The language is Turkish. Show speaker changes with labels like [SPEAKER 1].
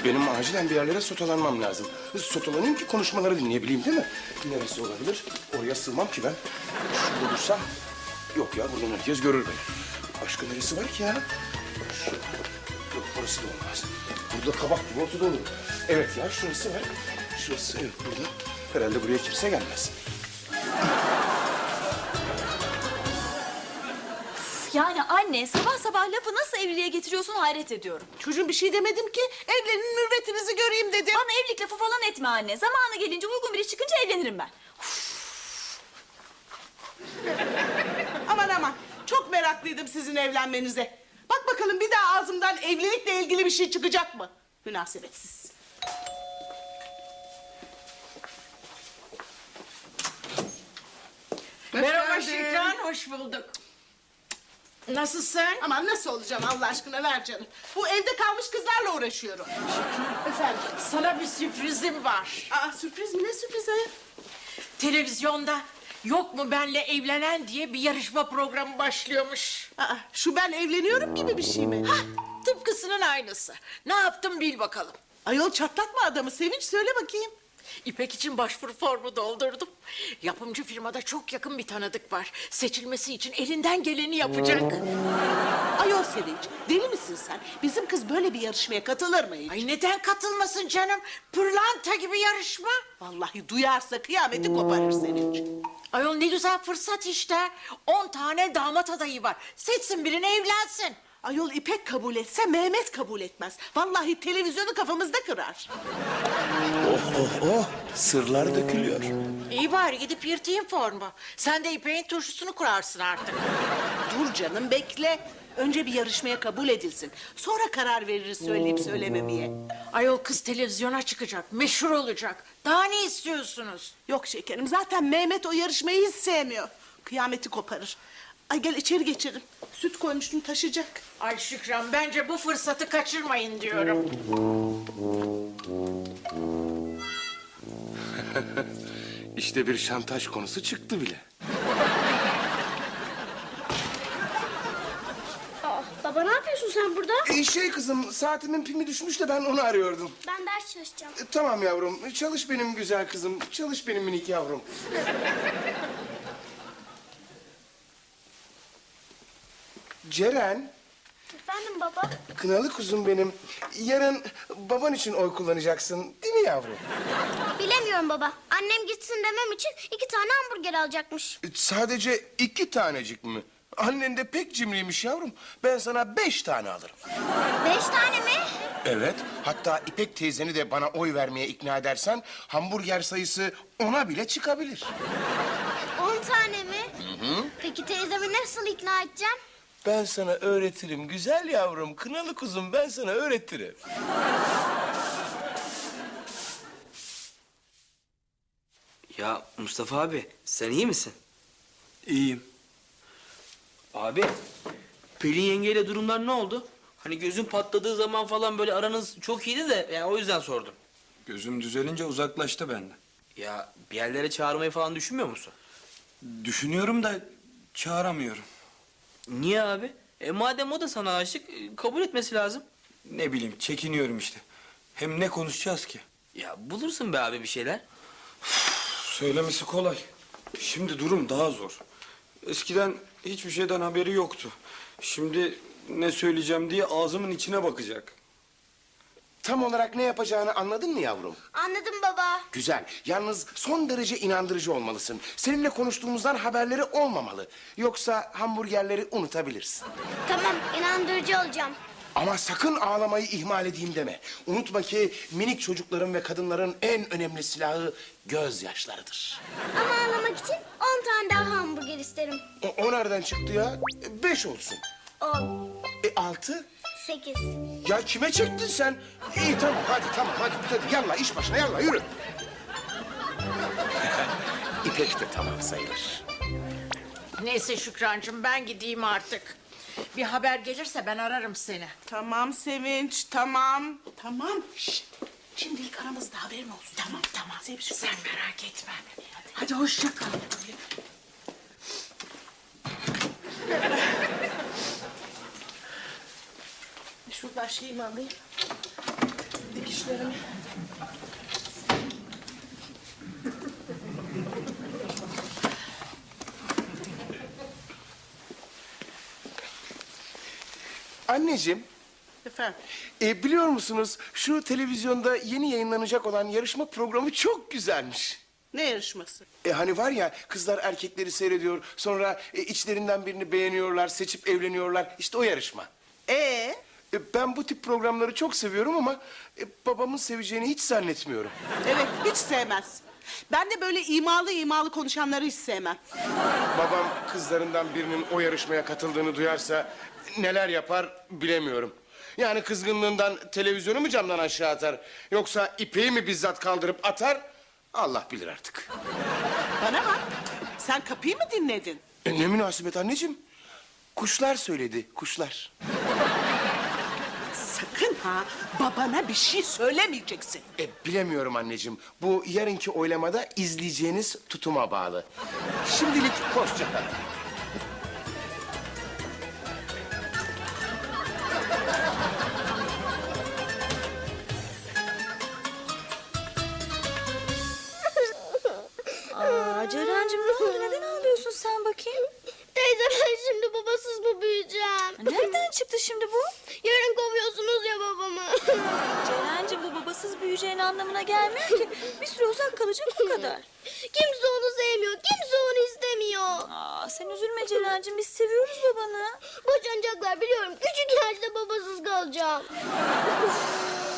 [SPEAKER 1] Benim acilen bir yerlere sotalanmam lazım. Sotalanayım ki konuşmaları dinleyebileyim değil mi? Neresi olabilir? Oraya sığmam ki ben. Şurada dursam... Yok ya, buradan herkes görür beni. Başka neresi var ki ya? Yok, burası da olmaz. Burada kabak gibi ortada olur. Evet ya, şurası var. Şurası, evet, burada. Herhalde buraya kimse gelmez.
[SPEAKER 2] Yani anne, sabah sabah lafı nasıl evliliğe getiriyorsun hayret ediyorum.
[SPEAKER 3] Çocuğum bir şey demedim ki. Evlenin mürvetinizi göreyim dedim.
[SPEAKER 2] Bana evlilik lafı falan etme anne. Zamanı gelince uygun biri çıkınca evlenirim ben.
[SPEAKER 3] Aman aman. Çok meraklıydım sizin evlenmenize. Bak bakalım bir daha ağzımdan evlilikle ilgili bir şey çıkacak mı? Münasebetsiz.
[SPEAKER 4] Merhaba Şükran, hoş bulduk. Nasılsın?
[SPEAKER 3] Aman nasıl olacağım Allah aşkına, ver canım. Bu evde kalmış kızlarla uğraşıyorum. Efendim?
[SPEAKER 4] Sana bir sürprizim var.
[SPEAKER 3] Aa, sürpriz mi? Ne sürpriz ayol?
[SPEAKER 4] Televizyonda Yok mu benle evlenen diye bir yarışma programı başlıyormuş.
[SPEAKER 3] Aa, şu ben evleniyorum gibi bir şey mi?
[SPEAKER 4] Hah, tıpkısının aynısı. Ne yaptım bil bakalım.
[SPEAKER 3] Ayol çatlatma adamı Sevinç, söyle bakayım.
[SPEAKER 4] İpek için başvuru formu doldurdum. Yapımcı firmada çok yakın bir tanıdık var. Seçilmesi için elinden geleni yapacak.
[SPEAKER 3] Ayol Sevinç, deli misin sen? Bizim kız böyle bir yarışmaya katılır mı hiç?
[SPEAKER 4] Ay neden katılmasın canım? Pırlanta gibi yarışma.
[SPEAKER 3] Vallahi duyarsa kıyameti koparır Sevinç.
[SPEAKER 4] Ayol ne güzel fırsat işte. 10 tane damat adayı var. Seçsin birini evlensin.
[SPEAKER 3] Ayol İpek kabul etse Mehmet kabul etmez. Vallahi televizyonu kafamızda kırar.
[SPEAKER 1] Oh, sırlar dökülüyor.
[SPEAKER 4] İyi bari gidip yırtayım formu. Sen de İpek'in turşusunu kurarsın artık.
[SPEAKER 3] Dur canım bekle. Önce bir yarışmaya kabul edilsin. Sonra karar veririz söyleyip söylememeye.
[SPEAKER 4] Ayol kız televizyona çıkacak, meşhur olacak. Daha ne istiyorsunuz?
[SPEAKER 3] Yok şekerim, zaten Mehmet o yarışmayı hiç sevmiyor. Kıyameti koparır. Ay gel içeri geçelim. Süt koymuştum, taşıyacak.
[SPEAKER 4] Ay Şükran bence bu fırsatı kaçırmayın diyorum.
[SPEAKER 1] İşte bir şantaj konusu çıktı bile.
[SPEAKER 5] Baba ne yapıyorsun sen burada?
[SPEAKER 1] Kızım, saatimin pimi düşmüş de ben onu arıyordum.
[SPEAKER 5] Ben ders çalışacağım.
[SPEAKER 1] Tamam yavrum, çalış benim güzel kızım. Çalış benim minik yavrum. Ceren,
[SPEAKER 5] Efendim baba?
[SPEAKER 1] kınalı kuzum benim. Yarın baban için oy kullanacaksın, değil mi yavrum?
[SPEAKER 5] Bilemiyorum baba. Annem gitsin demem için 2 tane hamburger alacakmış.
[SPEAKER 1] Sadece 2 tanecik mi? Annen de pek cimriymiş yavrum. Ben sana 5 tane alırım.
[SPEAKER 5] 5 tane mi?
[SPEAKER 1] Evet, hatta İpek teyzeni de bana oy vermeye ikna edersen... ...hamburger sayısı 10'a bile çıkabilir.
[SPEAKER 5] 10 tane mi? Peki teyzemi nasıl ikna edeceğim?
[SPEAKER 1] Ben sana öğretirim güzel yavrum, kınalı kuzum, ben sana öğretirim.
[SPEAKER 6] Ya Mustafa abi, sen iyi misin?
[SPEAKER 7] İyiyim.
[SPEAKER 6] Abi, Pelin yengeyle durumlar ne oldu? Hani gözün patladığı zaman falan böyle aranız çok iyiydi de yani o yüzden sordum.
[SPEAKER 7] Gözüm düzelince uzaklaştı benden.
[SPEAKER 6] Ya bir yerlere çağırmayı falan düşünmüyor musun?
[SPEAKER 7] Düşünüyorum da çağıramıyorum.
[SPEAKER 6] Niye abi? Madem o da sana aşık, kabul etmesi lazım.
[SPEAKER 7] Ne bileyim, çekiniyorum işte. Hem ne konuşacağız ki?
[SPEAKER 6] Ya bulursun be abi bir şeyler.
[SPEAKER 7] Söylemesi kolay. Şimdi durum daha zor. Eskiden hiçbir şeyden haberi yoktu. Şimdi ne söyleyeceğim diye ağzımın içine bakacak.
[SPEAKER 1] Tam olarak ne yapacağını anladın mı yavrum?
[SPEAKER 5] Anladım baba.
[SPEAKER 1] Güzel. Yalnız son derece inandırıcı olmalısın. Seninle konuştuğumuzdan haberleri olmamalı. Yoksa hamburgerleri unutabilirsin.
[SPEAKER 5] Tamam, inandırıcı olacağım.
[SPEAKER 1] Ama sakın ağlamayı ihmal edeyim deme. Unutma ki minik çocukların ve kadınların en önemli silahı gözyaşlarıdır.
[SPEAKER 5] Ama ağlamak için 10 tane daha hamburger isterim.
[SPEAKER 1] O nereden çıktı ya? 5 olsun.
[SPEAKER 5] 10,
[SPEAKER 1] 6?
[SPEAKER 5] 8.
[SPEAKER 1] Ya kime çektin sen? İyi tamam hadi yallah iş başına yallah yürü. İpek de tamam sayılır.
[SPEAKER 4] Neyse Şükrancığım ben gideyim artık. Bir haber gelirse ben ararım seni.
[SPEAKER 3] Tamam Sevinç, tamam. Tamam. Şşt. Şimdilik aramızda haberin olsun.
[SPEAKER 4] Tamam.
[SPEAKER 3] Sevinç,
[SPEAKER 4] Sen merak etme. Hadi hoşça kal.
[SPEAKER 3] Şuradan şeyimi alayım. Dikiş işlerimi.
[SPEAKER 1] Anneciğim,
[SPEAKER 3] Efendim?
[SPEAKER 1] biliyor musunuz şu televizyonda yeni yayınlanacak olan yarışma programı çok güzelmiş.
[SPEAKER 3] Ne yarışması?
[SPEAKER 1] Hani var ya kızlar erkekleri seyrediyor, sonra içlerinden birini beğeniyorlar, seçip evleniyorlar. İşte o yarışma. Ben bu tip programları çok seviyorum ama babamın seveceğini hiç zannetmiyorum.
[SPEAKER 3] Evet, hiç sevmez. Ben de böyle imalı konuşanları hiç sevmem.
[SPEAKER 1] Babam kızlarından birinin o yarışmaya katıldığını duyarsa neler yapar bilemiyorum. Yani kızgınlığından televizyonu mu camdan aşağı atar? Yoksa ipeği mi bizzat kaldırıp atar? Allah bilir artık.
[SPEAKER 3] Bana bak, sen kapıyı mı dinledin?
[SPEAKER 1] Ne münasebet anneciğim? Kuşlar söyledi, kuşlar.
[SPEAKER 3] Sakın ha, babana bir şey söylemeyeceksin.
[SPEAKER 1] Bilemiyorum anneciğim. Bu yarınki oylamada izleyeceğiniz tutuma bağlı. Şimdilik hoşça kalın.
[SPEAKER 2] Aa, Ceren'cim ne oldu? Neden ağlıyorsun sen bakayım?
[SPEAKER 5] Teyze ben şimdi babasız mı büyüyeceğim?
[SPEAKER 2] Nereden çıktı şimdi bu?
[SPEAKER 5] Yarın kovuyorsunuz ya babamı.
[SPEAKER 2] Ceren'cim bu babasız büyüyeceğin anlamına gelmiyor ki. Bir süre uzak kalacak o kadar.
[SPEAKER 5] Kimse onu sevmiyor, kimse onu istemiyor.
[SPEAKER 2] Aa, sen üzülme Ceren'cim biz seviyoruz babanı.
[SPEAKER 5] Boşanacaklar biliyorum. Küçük yaşta babasız kalacağım.